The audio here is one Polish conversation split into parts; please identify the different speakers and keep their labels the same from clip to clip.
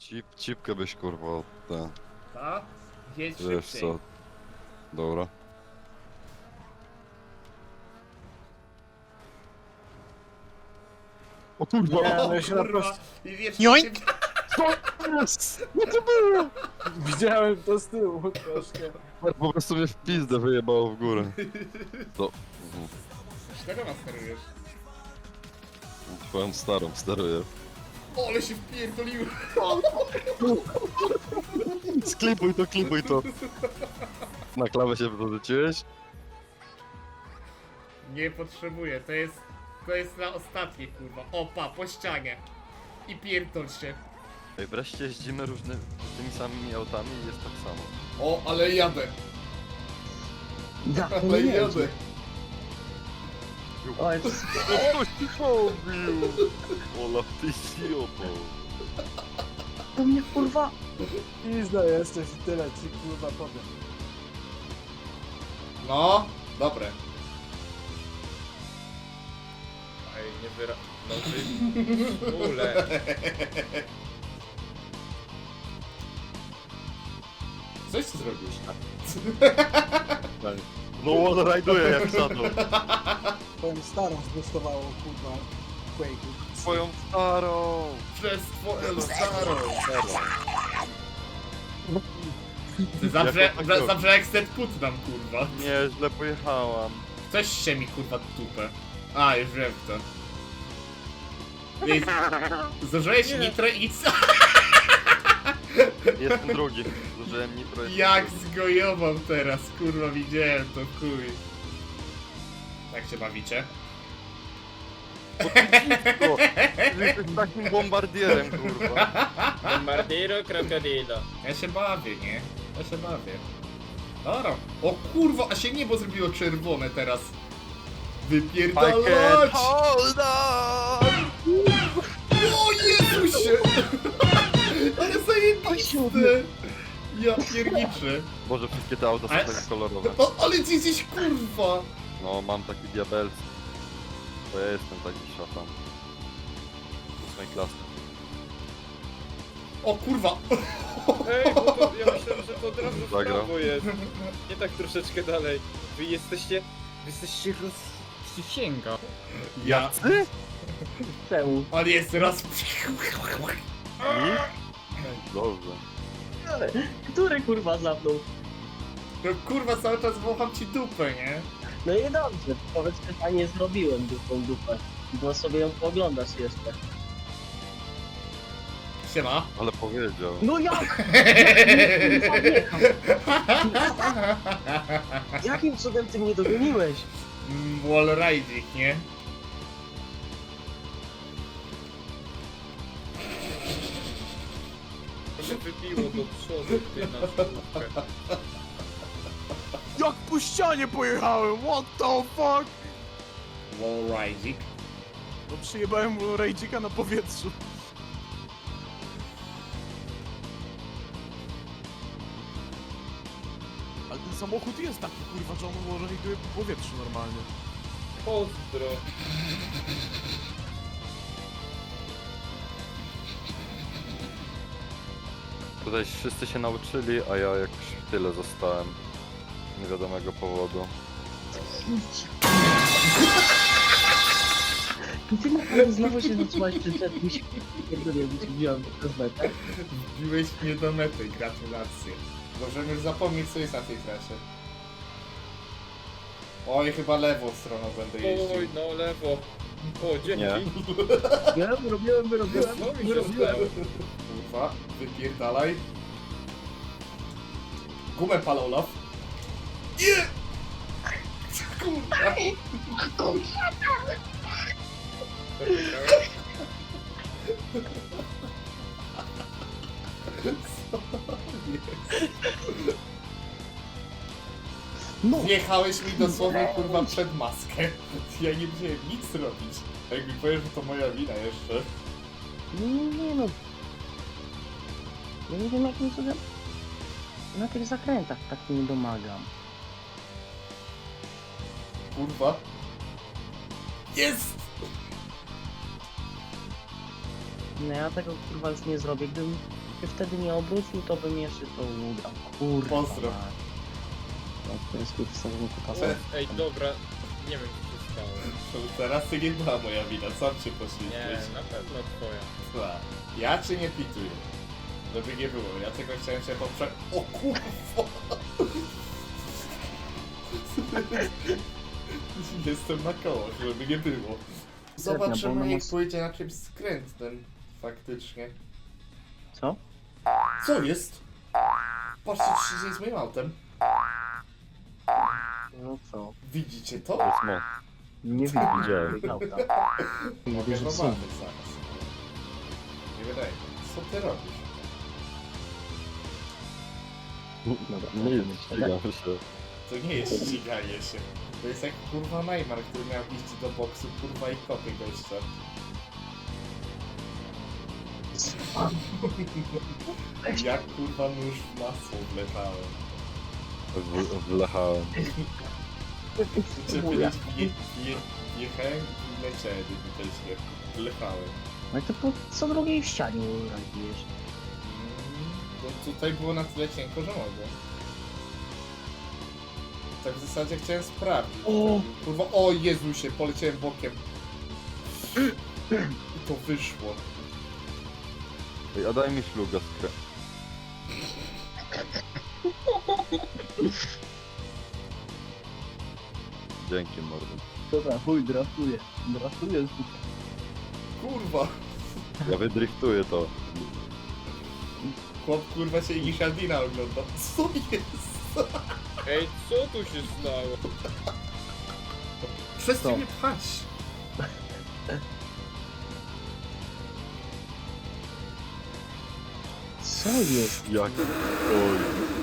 Speaker 1: Cipkę byś kurwa ten.
Speaker 2: Ta? Jedź
Speaker 1: Wiesz
Speaker 2: szybciej.
Speaker 1: co? Dobra. O kurwa!
Speaker 3: Nie,
Speaker 2: O
Speaker 3: no ja się na
Speaker 2: kurwa!
Speaker 3: prosto...
Speaker 2: I wiesz,
Speaker 3: Joink!
Speaker 1: Co jest? No to było!
Speaker 3: Widziałem to z tyłu troszkę.
Speaker 1: Po prostu mnie w pizdę wyjebało w górę. To...
Speaker 2: czego nas sterujesz?
Speaker 1: Twoją starą steruję.
Speaker 2: O, ale się wpierdoliłem!
Speaker 1: Klipuj to. Na klawę się dorzuciłeś?
Speaker 2: Nie potrzebuję, to jest na ostatnie kurwa. Opa, po ścianie. I pierdol się.
Speaker 1: Ej, wreszcie jeździmy tymi samymi autami i jest tak samo.
Speaker 2: O, ale jadę.
Speaker 4: Ja, to
Speaker 2: Ale
Speaker 4: nie
Speaker 2: jadę.
Speaker 4: jedzie. O, jest...
Speaker 1: No ktoś ci pobił! Olaf, ty idioto.
Speaker 4: To mnie kurwa...
Speaker 3: Pizda jesteś i tyle ci kurwa powiem.
Speaker 2: No, dobre.
Speaker 5: Ej, nie wyra... No ty... Ule.
Speaker 2: Coś ty zrobisz?
Speaker 1: No on rajduje jak szatą.
Speaker 3: Twoją starą zbustowało kurwa Quake'u.
Speaker 1: Twoją starą.
Speaker 2: Przez twoją starą. Ty
Speaker 1: Jako taką.
Speaker 2: zawsze jak set put nam kurwa.
Speaker 1: Nie, źle pojechałam.
Speaker 2: Coś się mi kurwa dupę. A, już wiem kto. Ej, zużyłeś
Speaker 5: Nie.
Speaker 2: nitro i co?
Speaker 1: Jestem drugi. Zużyłem nitro.
Speaker 2: Jak zgojował teraz, kurwa widziałem to chuj. Jak się bawicie?
Speaker 1: O, jesteś takim bombardierem, kurwa.
Speaker 5: Bombardiro krokodilo.
Speaker 2: Ja się bawię, nie? Ja się bawię. Dobra. O kurwa, a się niebo zrobiło czerwone teraz.
Speaker 1: I can
Speaker 2: Wypierdalać!
Speaker 1: hold on!
Speaker 2: O Jezusie! Ale zajebiste! Ja pierniczę.
Speaker 1: Boże, wszystkie te auta są
Speaker 2: Ale-
Speaker 1: takie kolorowe.
Speaker 2: O, ale ty jesteś kurwa!
Speaker 1: No, mam taki diabelski. Bo ja jestem taki szatan. 8 klasy.
Speaker 2: O kurwa!
Speaker 5: Ej, bo to, ja myślałem, że to od razu w
Speaker 1: Zagrał.
Speaker 5: prawo jest. Nie tak troszeczkę dalej. Wy jesteście rozsięga.
Speaker 2: Ja...
Speaker 4: Czemu?
Speaker 2: On jest raz...
Speaker 1: I? Dobrze.
Speaker 4: Który kurwa zapnął?
Speaker 2: No kurwa, cały czas wącham ci dupę, nie?
Speaker 4: No i dobrze, powiedz, że fajnie zrobiłem tą dupę. Bo sobie ją pooglądasz jeszcze.
Speaker 2: Siema.
Speaker 1: Ale powiedział.
Speaker 4: No jak? Jakim cudem ty mnie dogoniłeś?
Speaker 2: Wall riding, nie?
Speaker 5: To wybiło do przodu ty na szkółkę.
Speaker 3: Jak po ścianie pojechałem, what the fuck?
Speaker 2: Wall riding.
Speaker 3: No przyjebałem mu rejdzika na powietrzu. Ale ten samochód jest taki kurwa, że on może rajduje po powietrzu normalnie.
Speaker 5: Pozdro.
Speaker 1: Tutaj wszyscy się nauczyli, a ja jakoś w tyle zostałem. Z niewiadomego powodu.
Speaker 4: Ty naprawdę znowu się zatrzymałeś przy czerwcu. Pierdolę, bo ci wziąłem przez metę.
Speaker 2: Wbiłeś mnie do mety, gratulacje. Możemy już zapomnieć, co jest na tej trasie. Oj, chyba lewą stroną będę jeździł.
Speaker 5: Oj, no lewo. O, dzięki.
Speaker 1: Nie.
Speaker 4: Robiłem.
Speaker 5: Co mi się stało?
Speaker 2: Kurwa, wypierdalaj. Gumę pal, Olaf. Nie! Kurwa.
Speaker 5: Co wygrałem?
Speaker 4: No,
Speaker 2: Wjechałeś mi dosłownie kurwa przed maskę. Ja nie musiałem nic robić. A jak mi powiesz, że to moja wina jeszcze.
Speaker 4: nie no. Ja nie wiem jakim cudem na tych zakrętach tak nie domagam.
Speaker 2: Kurwa. Jest!
Speaker 4: No ja tego kurwa już nie zrobię, gdybym się wtedy nie obrócił, to bym jeszcze to ugrał. Kurwa.
Speaker 2: Pozdro.
Speaker 4: mać. No, to jest kurwa sterowniku kasa.
Speaker 5: Ej, dobra, nie wiem co się stało.
Speaker 2: Teraz to nie była moja wina, sam się
Speaker 5: Nie,
Speaker 2: poświęciłeś.
Speaker 5: na pewno twoja.
Speaker 2: Dobra. Ja czy nie pituję? Żeby nie było, ja tylko chciałem się poprzeć... O kurwa! Jestem na kołach, żeby nie było. Zobaczymy jak pójdzie na czymś skrętnym. Faktycznie.
Speaker 4: Co?
Speaker 2: Co jest? Patrzcie, co się dzieje z moim autem.
Speaker 4: No co?
Speaker 2: Widzicie to?
Speaker 1: To jest mo.
Speaker 4: Nie
Speaker 1: Widziałem.
Speaker 4: widzę auta. Nie
Speaker 2: Mogę
Speaker 4: wierzę, co?
Speaker 2: zobaczyć zaraz. Nie wydaje mi się. Co ty robisz?
Speaker 4: Dobra,
Speaker 1: Nie jest, ścigam się.
Speaker 2: To nie jest ściganie się. To jest jak kurwa Neymar, który miał iść do boksu, kurwa i kopie gościa. Jak kurwa nóż w masło wlewałem.
Speaker 1: Wlechałem.
Speaker 2: Chcę powiedzieć, jechałem i leciałem, też nie. Wlewałem.
Speaker 4: No i to po co drugiej w ścianie robisz?
Speaker 2: Bo tutaj było na tyle cienko, że mogłem. Tak w zasadzie chciałem sprawdzić.
Speaker 4: O!
Speaker 2: Kurwa, o Jezusie, poleciałem bokiem. I to wyszło.
Speaker 1: Ej, a daj mi śluga skrę. Dzięki mordo.
Speaker 4: Dobra, chuj, draftuję. Draftuję.
Speaker 2: Kurwa.
Speaker 1: Ja wydriftuję to.
Speaker 2: Chłop kurwa się Igishadina ogląda. Co jest?
Speaker 5: Ej, co tu się stało?
Speaker 2: Przestań
Speaker 4: Co?
Speaker 2: mnie pchać.
Speaker 4: Co jest?
Speaker 1: Jak? Oj.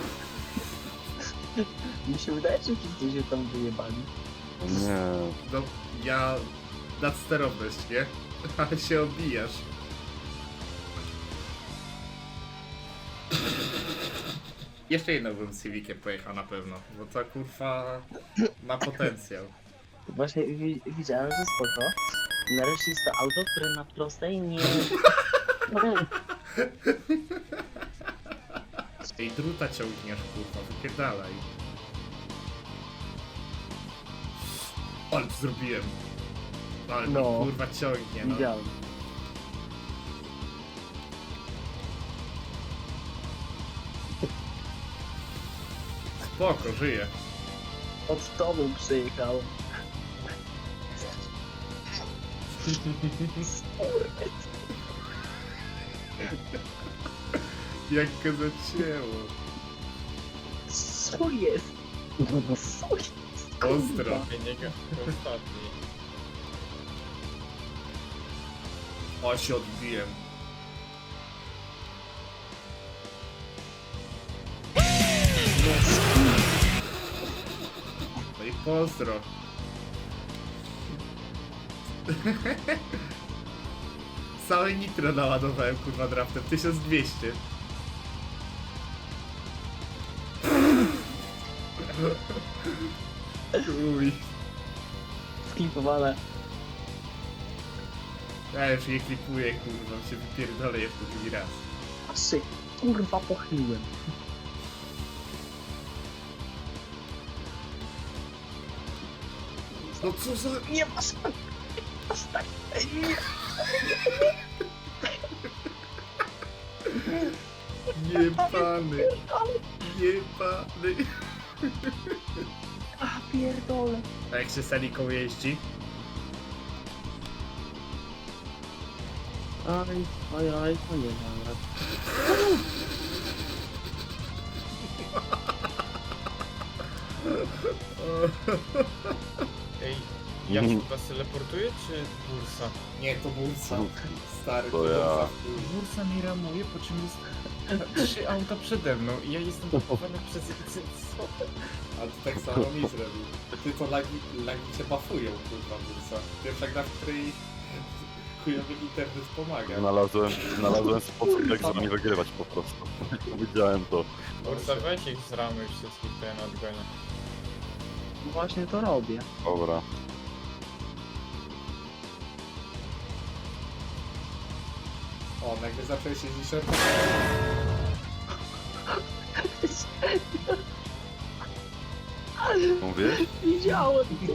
Speaker 4: Mi się wydaje, że wszyscy się tam wyjebali.
Speaker 1: Nie.
Speaker 2: No, ja... Nadsterowność, nie? Ale się obijasz. Jeszcze jedną bym z Civiciem pojechał na pewno, bo to kurwa ma potencjał.
Speaker 4: Właśnie widziałem, że spoko. Nareszcie jest to auto, które na prostej nie...
Speaker 2: Ej, druta ciągniesz, kurwa, wypierdalaj. Ale to zrobiłem. Ale
Speaker 4: No.
Speaker 2: no. Kurwa ciągnie, no.
Speaker 4: Widziałem.
Speaker 2: Spoko, żyję.
Speaker 4: Od tobą przyjechałem.
Speaker 2: Jak go zacięło.
Speaker 4: Co jest? Co jest?
Speaker 2: Pozdro.
Speaker 5: Ej, nie ga- ostatni.
Speaker 2: O, się odbiłem. No i pozdro. Całe nitro naładowałem kurwa draftem, 1200. Uj.
Speaker 4: Sklipowane.
Speaker 2: Ja już nie klipuję kurwa, się wypierdolę jeszcze drugi raz.
Speaker 4: Patrzcie, kurwa pochyliłem.
Speaker 2: No co za...
Speaker 4: Nie masz... Stań. Nie.
Speaker 2: Jebany. Jebany.
Speaker 4: A pierdolę.
Speaker 2: A jak się Seliką jeździ?
Speaker 4: Oj, oj, oj, to nie mam rad.
Speaker 5: Ej, ja chyba se teleportuję czy bursa?
Speaker 2: Nie, to bursa. Stary,
Speaker 1: To
Speaker 2: to
Speaker 1: ja.
Speaker 2: bursa.
Speaker 5: Bursa mi ramuje, po czym jest 3 auta przede mną i ja jestem blokowany przez... Co?
Speaker 2: Ale to tak samo mi zrobił. Ty to lagi cię buffują, kurwa, bursa. Pierwsza gra, w której chujowy internet pomaga.
Speaker 1: Znalazłem sposób, jak z nami wygrywać po prostu. Widziałem to.
Speaker 5: Bursa, weź ich z ramy wszystkich, to ja nadgonię.
Speaker 4: Właśnie to robię.
Speaker 1: Dobra.
Speaker 2: O, nagle zacząłeś jeździć
Speaker 1: Mówisz?
Speaker 4: Widziałem to.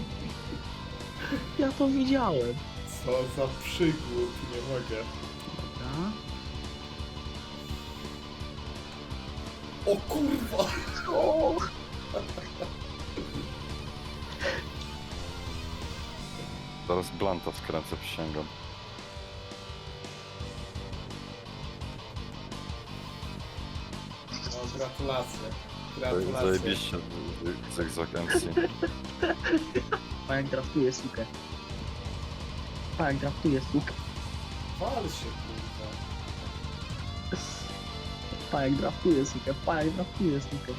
Speaker 4: Ja to widziałem.
Speaker 2: Co za przygód, nie mogę.
Speaker 4: Dobra.
Speaker 2: O kurwa!
Speaker 4: O!
Speaker 1: Zaraz Blanta skręcę, przysięgam.
Speaker 2: No, gratulacje. Gratulacje.
Speaker 1: Zajebiście zygzak MC.
Speaker 4: Pajak draftuje sukę. Pajak draftuje sukę.
Speaker 2: Wal się, kurwa.
Speaker 4: Pajak draftuje sukę. Pajak draftuje sukę.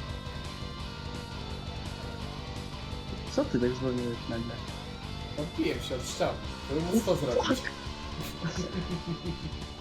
Speaker 4: Co ty tak zwolniłeś nagle?
Speaker 2: Odbiłem się od ściany. To bym móc to zrobić.